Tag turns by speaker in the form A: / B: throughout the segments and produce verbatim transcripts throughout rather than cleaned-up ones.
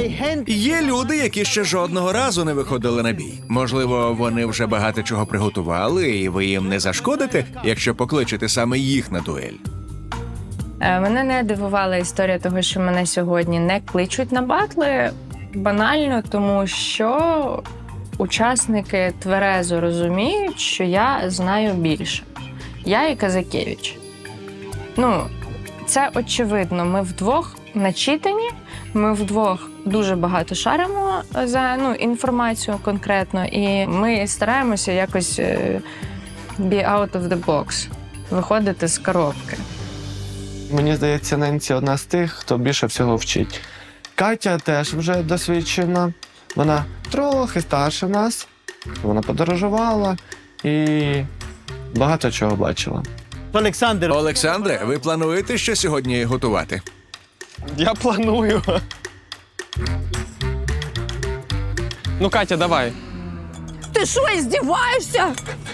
A: Є люди, які ще жодного разу не виходили на бій. Можливо, вони вже багато чого приготували, і ви їм не зашкодите, якщо покличете саме їх на дуель.
B: Е, Мене не дивувала історія того, що мене сьогодні не кличуть на батли. Банально, тому що учасники тверезо розуміють, що я знаю більше. Я і Казакевич. Ну, це очевидно. Ми вдвох начитані, ми вдвох дуже багато шаримо за ну, інформацію конкретно, і ми стараємося якось е, be out of the box, виходити з коробки.
C: Мені здається, Ненсі одна з тих, хто більше всього вчить. Катя теж вже досвідчена. Вона трохи старша нас. Вона подорожувала і багато чого бачила.
D: Олександр.
A: Олександре, ви плануєте що сьогодні готувати?
E: Я планую. Ну, Катя, давай.
F: Ти що, здіваєшся?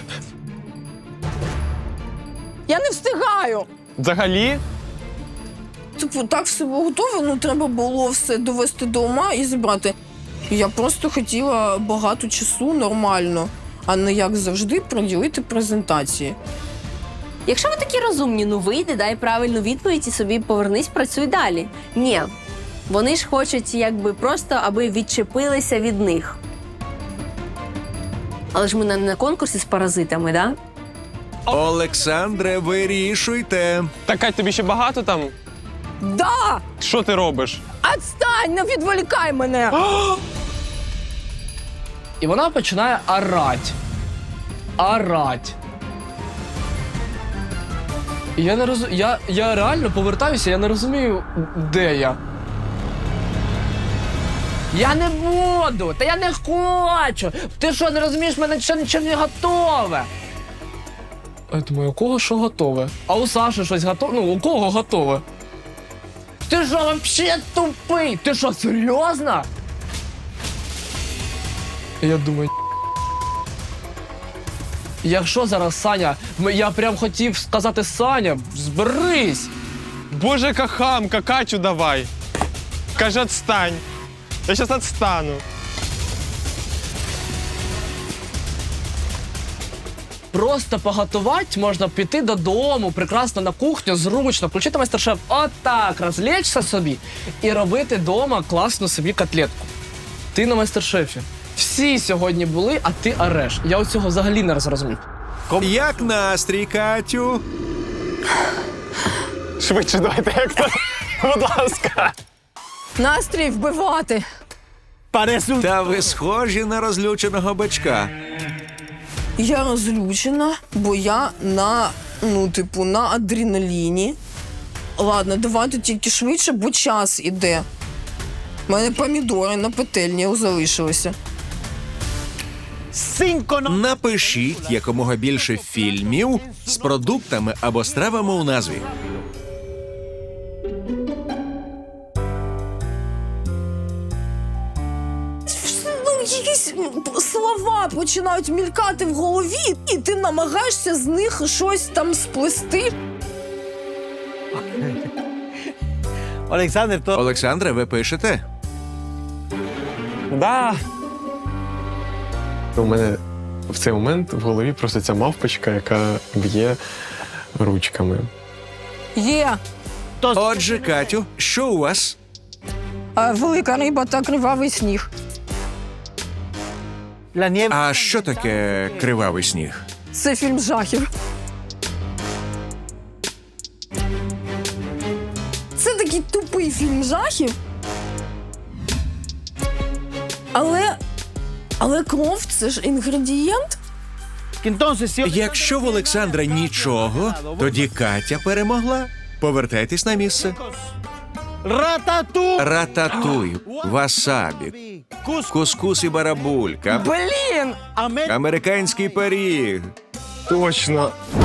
F: Я не встигаю.
E: Взагалі?
F: Типу, так все було готове, ну треба було все довести до ума і зібрати. Я просто хотіла багато часу нормально, а не як завжди приділити презентації.
G: Якщо ви такі розумні, ну вийди, дай правильну відповідь і собі повернись, працюй далі. Ні, вони ж хочуть якби просто, аби відчепилися від них. Але ж ми не на конкурсі з паразитами, да?
A: Олександре, вирішуйте.
E: Так, Кать, тобі ще багато там?
F: Да!
E: Що ти робиш?
F: Отстань, не відволікай мене!
H: І вона починає орать. Орать. І я не роз... я, я реально повертаюся, я не розумію, де я. Я не буду! Та я не хочу! Ти що, не розумієш, в мене ще нічого не готове. А я думаю, у кого що готове? А у Саші щось готове? Ну, у кого готове? Ти що, вообще тупий? Ти що, серйозно? І я думаю, якщо зараз Саня, я прям хотів сказати Саня, зберись.
E: Боже, яка хамка, Катю давай. Каже, отстань. Я зараз отстану.
H: Просто поготувати можна піти додому, прекрасно на кухню, зручно, включити майстер-шеф, отак, розлечься собі і робити вдома класну собі котлетку. Ти на майстер-шефі. Всі сьогодні були, а ти ореш. Я оцього взагалі не зрозумів.
A: Як настрій, Катю?
E: Швидше давайте, як то. Будь ласка.
F: Настрій вбивати.
A: Та ви схожі на розлюченого бичка.
F: Я розлючена, бо я на, ну, типу, на адреналіні. Ладно, давайте тільки швидше, бо час іде. У мене помідори на петельні залишилися.
A: Напишіть якомога більше фільмів з продуктами або стравами у назві.
F: Ну, якісь слова починають мількати в голові, і ти намагаєшся з них щось там сплести.
D: Олександр, то...
A: Олександре, ви пишете?
E: Да. У мене в цей момент в голові просто ця мавпочка, яка б'є ручками.
F: Є.
A: Отже, Катю, що у вас?
F: А, велика риба та кривавий сніг.
A: А що таке кривавий сніг?
F: Це фільм жахів. Це такий тупий фільм жахів. Але... Але кров – це ж інгредієнт.
A: Якщо в Олександра нічого, тоді Катя перемогла. Повертайтесь на місце.
D: Ратату!
A: Рататуй, васабі, кускус і барабулька,
F: Блін!
A: американський пиріг.
E: Точно.